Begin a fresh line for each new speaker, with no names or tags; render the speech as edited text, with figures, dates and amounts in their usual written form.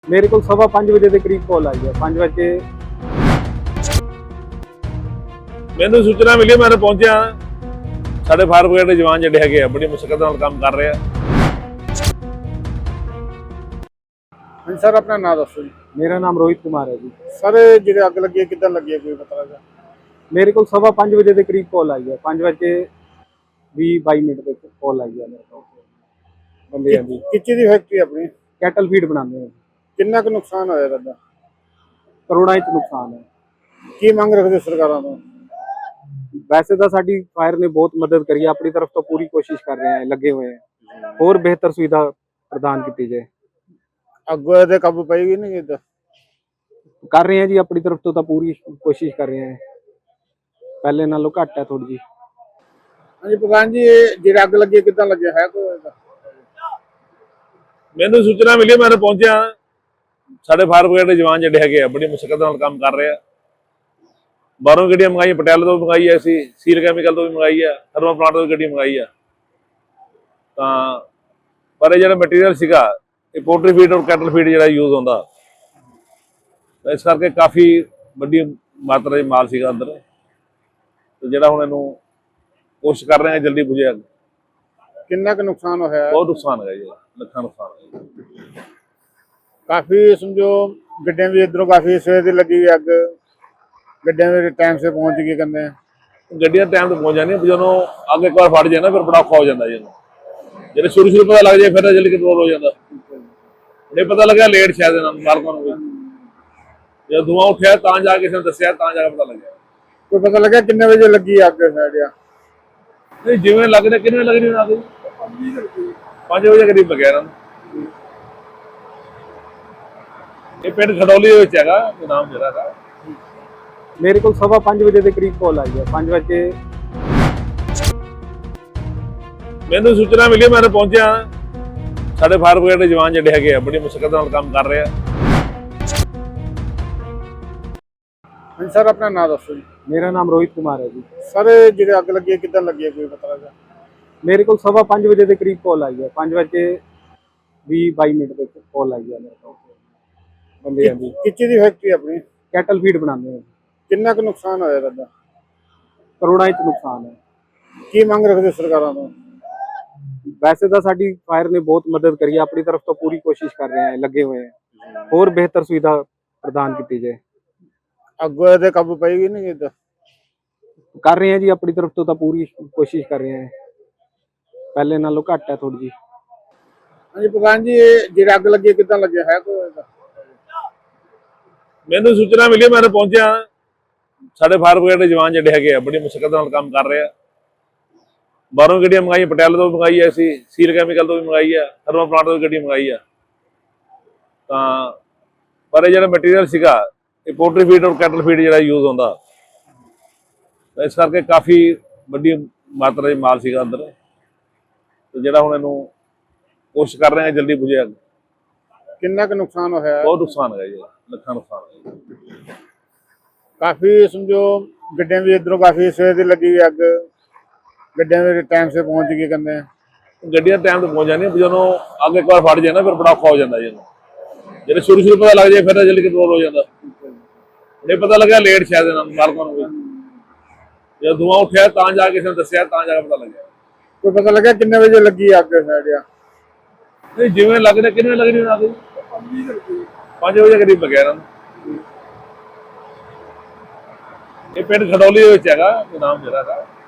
ਮੇਰੇ ਕੋਲ 5:15 ਵਜੇ ਦੇ ਕਰੀਬ ਕਾਲ ਆਈ ਹੈ। 5 ਵਜੇ
ਮੈਨੂੰ ਸੂਚਨਾ ਮਿਲੀ, ਮੈਂ ਪਹੁੰਚਿਆ। ਸਾਡੇ ਫਾਇਰ ਬ੍ਰਿਗੇਡ ਦੇ ਜਵਾਨ ਜਿਹੜੇ ਹੈਗੇ ਆ ਬੜੀ ਮੁਸ਼ਕਲ ਨਾਲ ਕੰਮ ਕਰ ਰਹੇ ਆ।
ਹਾਂਜੀ ਸਰ, ਆਪਣਾ ਨਾਮ ਦੱਸੋ ਜੀ।
ਮੇਰਾ ਨਾਮ ਰੋਹਿਤ ਕੁਮਾਰ ਹੈ ਜੀ।
ਸਰ ਜਿਹੜੇ ਅੱਗ ਲੱਗੀ ਹੈ ਕਿੱਦਾਂ ਲੱਗੀ ਹੈ, ਕੋਈ ਪਤਾ ਲੱਗਾ?
ਮੇਰੇ ਕੋਲ 5:15 ਵਜੇ ਦੇ ਕਰੀਬ ਕਾਲ ਆਈ ਹੈ। 5 ਵਜੇ 20-22 ਮਿੰਟ ਦੇ ਕਾਲ ਆਈ ਹੈ ਮੇਰੇ ਕੋਲ ਬੰਦਿਆਂ ਦੀ।
ਕਿੱਚੀ ਦੀ ਫੈਕਟਰੀ ਆਪਣੀ
ਕੈਟਲ ਫੀਡ ਬਣਾਉਂਦੇ ਹਾਂ।
ਕਿੰਨਾ ਕੁ ਨੁਕਸਾਨ ਹੋਇਆ ਤੁਹਾਡਾ?
ਕਰੋੜਾਂ ਵਿੱਚ ਨੁਕਸਾਨ ਹੈ।
ਕੀ ਮੰਗ ਰੱਖਦੇ ਸਰਕਾਰਾਂ ਤੋਂ?
ਵੈਸੇ ਤਾਂ ਸਾਡੀ ਫਾਇਰ ਨੇ ਬਹੁਤ ਮਦਦ ਕਰੀ ਹੈ, ਆਪਣੀ ਤਰਫ ਤੋਂ ਪੂਰੀ ਕੋਸ਼ਿਸ਼ ਕਰ ਰਹੇ ਹਾਂ, ਲੱਗੇ ਹੋਏ हैं। ਹੋਰ ਬਿਹਤਰ ਸੁਵਿਧਾ ਪ੍ਰਦਾਨ ਕੀਤੀ ਜਾਏ।
ਅੱਗੋਂ ਇਹਦੇ ਕਾਬੂ ਪਏਗੀ ਨਹੀਂ ਇੱਦਾਂ?
ਕਰ ਰਹੇ ਹਾਂ ਜੀ, ਆਪਣੀ ਤਰਫ ਤੋਂ ਤਾਂ ਪੂਰੀ ਕੋਸ਼ਿਸ਼ ਕਰ ਰਹੇ ਹਾਂ। ਪਹਿਲੇ ਨਾਲੋਂ ਘੱਟ ਹੈ ਥੋੜੀ ਜੀ।
ਹਾਂਜੀ ਪ੍ਰਧਾਨ ਜੀ, ਇਹ ਜਿਹੜਾ ਅੱਗ ਲੱਗੀ ਹੈ ਕਿੱਦਾਂ ਲੱਗਿਆ ਹੈ ਕੋਈ ਇਹਦਾ?
ਮੈਨੂੰ ਸੂਚਨਾ ਮਿਲੀ, ਮੈਂ ਪਹੁੰਚਿਆ। ਸਾਡੇ ਫਾਇਰ ਬ੍ਰਿਗੇਡ ਦੇ ਜਵਾਨ ਜਿਹੜੇ ਹੈਗੇ ਆ ਬੜੀ ਮੁਸ਼ਕਲ ਨਾਲ ਕੰਮ ਕਰ ਰਹੇ ਆ। ਬਾਹਰੋਂ ਗੱਡੀਆਂ ਮੰਗਾਈ, ਪਟਿਆਲੇ ਤੋਂ ਮੰਗਾਈ ਐ, ਅਸੀਂ ਸੀਲ ਕੈਮੀਕਲ ਤੋਂ ਵੀ ਮੰਗਾਈ ਆ, ਥਰਮਲ ਪਲਾਂਟ ਤੋਂ ਵੀ ਗੱਡੀ ਮੰਗਾਈ ਆ। ਤਾਂ ਪਰ ਇਹ ਜਿਹੜਾ ਮਟੀਰੀਅਲ ਸੀਗਾ, ਇਹ ਪੋਲਟਰੀ ਫੀਡ ਔਰ ਕੈਟਲ ਫੀਡ ਜਿਹੜਾ ਯੂਜ਼ ਹੁੰਦਾ, ਇਸ ਕਰਕੇ ਕਾਫੀ ਵੱਡੀ ਮਾਤਰਾ ਦੇ ਮਾਲ ਸੀਗਾ ਅੰਦਰ। ਤੇ ਜਿਹੜਾ ਹੁਣ ਇਹਨੂੰ ਕੋਸ਼ਿਸ਼ ਕਰ ਰਹੇ ਆ ਜਲਦੀ ਬੁਝੇ ਅੱਗ।
ਕਿੰਨਾ ਕੁ ਨੁਕਸਾਨ ਹੋਇਆ?
ਬਹੁਤ ਨੁਕਸਾਨ ਹੈਗਾ ਜੀ, ਲੱਖਾਂ ਨੁਕਸਾਨ ਹੈ।
ਕਾਫੀ ਸਮਝੋ ਗੱਡੀਆਂ ਵੀ ਇਧਰੋਂ ਕਾਫੀ ਸਵੇਰ ਦੀ ਲੱਗੀ ਅੱਗ, ਗੱਡੀਆਂ ਵੀ ਟਾਈਮ ਸੇ ਪਹੁੰਚ ਗਈ ਕਹਿੰਦੇ।
ਗੱਡੀਆਂ ਟਾਈਮ ਤੇ ਪਹੁੰਚ ਜਾਂਦੀਆਂ, ਜਦੋਂ ਅੱਗ ਇੱਕ ਵਾਰ ਫੜ ਜਾਏ ਨਾ ਫਿਰ ਬੜਾ ਔਖਾ ਹੋ ਜਾਂਦਾ ਜੀ। ਜਿਹੜੇ ਸ਼ੁਰੂ ਪਤਾ ਲੱਗ ਜਾਏ ਫਿਰ ਜਲਦੀ ਕੰਟਰੋਲ ਹੋ ਜਾਂਦਾ। ਨਹੀਂ ਪਤਾ ਲੱਗਿਆ ਲੇਟ ਸ਼ਾਇਦ ਇਹਨਾਂ ਨੂੰ ਮਾਲਕਾਂ ਨੂੰ ਵੀ, ਜਦੋਂ ਧੂਆਂ ਉੱਠਿਆ ਤਾਂ ਜਾ ਕੇ ਕਿਸੇ ਨੇ ਦੱਸਿਆ, ਤਾਂ ਜਾ ਕੇ ਪਤਾ ਲੱਗਿਆ।
ਕੋਈ ਪਤਾ ਲੱਗਿਆ ਕਿੰਨੇ ਵਜੇ ਲੱਗੀ ਅੱਗ? ਸਾਡਿਆ
ਨਹੀਂ ਜਿਵੇਂ ਲੱਗਦਾ ਕਿੰਨੇ ਲੱਗਣੀ ਉਹਨਾਂ ਦੀ 5 ਵਜੇ ਕਰੀਬ ਲੱਗਿਆ ਇਹਨਾਂ ਨੂੰ। ਇਹ ਪਿੰਡ ਖਡੌਲੀ ਦੇ ਵਿੱਚ ਹੈਗਾ, ਨਾਮ ਜਿਹੜਾ ਹੈਗਾ।
ਮੇਰੇ ਕੋਲ 5:15 ਵਜੇ ਦੇ ਕਰੀਬ ਕਾਲ ਆਈ ਹੈ। 5 ਵਜੇ
ਮੈਨੂੰ ਸੂਚਨਾ ਮਿਲੀ, ਮੈਂ ਪਹੁੰਚਿਆ। ਸਾਡੇ ਫਾਇਰ ਬ੍ਰਿਗੇਡ ਦੇ ਜਵਾਨ ਜਿਹੜੇ ਹੈਗੇ ਆ ਬੜੀ ਮੁਸ਼ਕਲ ਨਾਲ ਕੰਮ ਕਰ ਰਹੇ ਆ।
ਹਾਂਜੀ ਸਰ, ਆਪਣਾ ਨਾਮ ਦੱਸੋ ਜੀ।
ਮੇਰਾ ਨਾਮ ਰੋਹਿਤ ਕੁਮਾਰ ਹੈ ਜੀ।
ਸਰ ਜਿਹੜੇ ਅੱਗ ਲੱਗੀ ਹੈ ਕਿੱਦਾਂ ਲੱਗੀ ਹੈ, ਕੋਈ ਪਤਾ ਲੱਗਾ?
ਮੇਰੇ ਕੋਲ 5:15 ਵਜੇ ਦੇ ਕਰੀਬ ਕਾਲ ਆਈ ਹੈ। 5 ਵਜੇ 20-22 ਮਿੰਟ ਦੇ ਕਾਲ ਆਈ ਹੈ ਮੇਰੇ ਕੋਲ ਬੰਦਿਆਂ ਦੀ।
ਕਿੱਚੀ ਦੀ ਫੈਕਟਰੀ ਆਪਣੀ
ਕੈਟਲ ਫੀਡ ਬਣਾਉਂਦੇ ਹਾਂ।
ਕਿੰਨਾ ਕੁ ਨੁਕਸਾਨ ਹੋਇਆ ਤੁਹਾਡਾ?
ਕਰੋੜਾਂ ਵਿੱਚ ਨੁਕਸਾਨ ਹੈ।
ਕੀ ਮੰਗ ਰੱਖਦੇ ਸਰਕਾਰਾਂ ਤੋਂ?
ਵੈਸੇ ਤਾਂ ਸਾਡੀ ਫਾਇਰ ਨੇ ਬਹੁਤ ਮਦਦ ਕਰੀ ਹੈ, ਆਪਣੀ ਤਰਫ ਤੋਂ ਪੂਰੀ ਕੋਸ਼ਿਸ਼ ਕਰ ਰਹੇ ਹਾਂ, ਲੱਗੇ ਹੋਏ हैं। ਹੋਰ ਬਿਹਤਰ ਸੁਵਿਧਾ ਪ੍ਰਦਾਨ ਕੀਤੀ ਜਾਏ।
ਅੱਗੋਂ ਇਹਦੇ ਕਾਬੂ ਪਏਗੀ ਨਹੀਂ ਇੱਦਾਂ?
ਕਰ ਰਹੇ ਹਾਂ ਜੀ, ਆਪਣੀ ਤਰਫ ਤੋਂ ਤਾਂ ਪੂਰੀ ਕੋਸ਼ਿਸ਼ ਕਰ ਰਹੇ ਹਾਂ। ਪਹਿਲੇ ਨਾਲੋਂ ਘੱਟ ਹੈ ਥੋੜੀ ਜੀ।
ਹਾਂਜੀ ਪ੍ਰਧਾਨ ਜੀ, ਇਹ ਜਿਹੜਾ ਅੱਗ ਲੱਗੀ ਹੈ ਕਿੱਦਾਂ ਲੱਗਿਆ ਹੈ ਕੋਈ ਇਹਦਾ?
ਮੈਨੂੰ ਸੂਚਨਾ ਮਿਲੀ, ਮੈਂ ਪਹੁੰਚਿਆ। ਸਾਡੇ ਫਾਇਰ ਬ੍ਰਿਗੇਡ ਦੇ ਜਵਾਨ ਜਿਹੜੇ ਹੈਗੇ ਆ ਬੜੀ ਮੁਸ਼ਕਲ ਨਾਲ ਕੰਮ ਕਰ ਰਹੇ ਆ। ਬਾਹਰੋਂ ਗੱਡੀਆਂ ਮੰਗਾਈ, ਪਟਿਆਲੇ ਤੋਂ ਵੀ ਮੰਗਾਈ ਐ, ਅਸੀਂ ਸੀਲ ਕੈਮੀਕਲ ਤੋਂ ਵੀ ਮੰਗਾਈ ਆ, ਥਰਮਲ ਪਲਾਂਟ ਤੋਂ ਵੀ ਗੱਡੀ ਮੰਗਾਈ ਆ। ਤਾਂ ਪਰ ਇਹ ਜਿਹੜਾ ਮਟੀਰੀਅਲ ਸੀਗਾ, ਇਹ ਪੋਲਟਰੀ ਫੀਡ ਔਰ ਕੈਟਲ ਫੀਡ ਜਿਹੜਾ ਯੂਜ਼ ਹੁੰਦਾ, ਇਸ ਕਰਕੇ ਕਾਫੀ ਵੱਡੀ ਮਾਤਰਾ ਦੇ ਮਾਲ ਸੀਗਾ ਅੰਦਰ। ਤੇ ਜਿਹੜਾ ਹੁਣ ਇਹਨੂੰ ਕੋਸ਼ਿਸ਼ ਕਰ ਰਹੇ ਆ ਜਲਦੀ ਬੁਝੇ ਅੱਗ।
ਕਿੰਨਾ ਕੁ ਨੁਕਸਾਨ ਹੋਇਆ?
ਬਹੁਤ ਨੁਕਸਾਨ ਹੈਗਾ ਜੀ, ਲੱਖਾਂ ਨੁਕਸਾਨ ਹੈ।
ਕਾਫੀ ਸਮਝੋ ਗੱਡੀਆਂ ਵੀ ਇਧਰੋਂ ਕਾਫੀ ਸਵੇਰ ਦੀ ਲੱਗੀ ਅੱਗ, ਗੱਡੀਆਂ ਵੀ ਟਾਈਮ ਸੇ ਪਹੁੰਚ ਗਈ ਕਹਿੰਦੇ।
ਗੱਡੀਆਂ ਟਾਈਮ ਤੇ ਪਹੁੰਚ ਜਾਂਦੀਆਂ, ਜਦੋਂ ਅੱਗ ਇੱਕ ਵਾਰ ਫੜ ਜਾਏ ਨਾ ਫਿਰ ਬੜਾ ਔਖਾ ਹੋ ਜਾਂਦਾ ਜੀ। ਜਿਹੜੇ ਸ਼ੁਰੂ ਪਤਾ ਲੱਗ ਜਾਏ ਫਿਰ ਜਲਦੀ ਕੰਟਰੋਲ ਹੋ ਜਾਂਦਾ। ਨਹੀਂ ਪਤਾ ਲੱਗਿਆ ਲੇਟ ਸ਼ਾਇਦ ਇਹਨਾਂ ਨੂੰ ਮਾਲਕਾਂ ਨੂੰ ਵੀ, ਜਦੋਂ ਧੂਆਂ ਉੱਠਿਆ ਤਾਂ ਜਾ ਕੇ ਕਿਸੇ ਨੇ ਦੱਸਿਆ, ਤਾਂ ਜਾ ਕੇ ਪਤਾ ਲੱਗਿਆ।
ਕੋਈ ਪਤਾ ਲੱਗਿਆ ਕਿੰਨੇ ਵਜੇ ਲੱਗੀ ਅੱਗ? ਸਾਡਿਆ
ਨਹੀਂ ਜਿਵੇਂ ਲੱਗਦਾ ਕਿੰਨੇ ਲੱਗਣੀ ਉਹਨਾਂ ਦੀ 5 ਵਜੇ ਕਰੀਬ ਲੱਗਿਆ ਇਹਨਾਂ ਨੂੰ। ਇਹ ਪਿੰਡ ਖਡੌਲੀ ਦੇ ਵਿੱਚ ਹੈਗਾ, ਨਾਮ ਜਿਹੜਾ ਹੈਗਾ।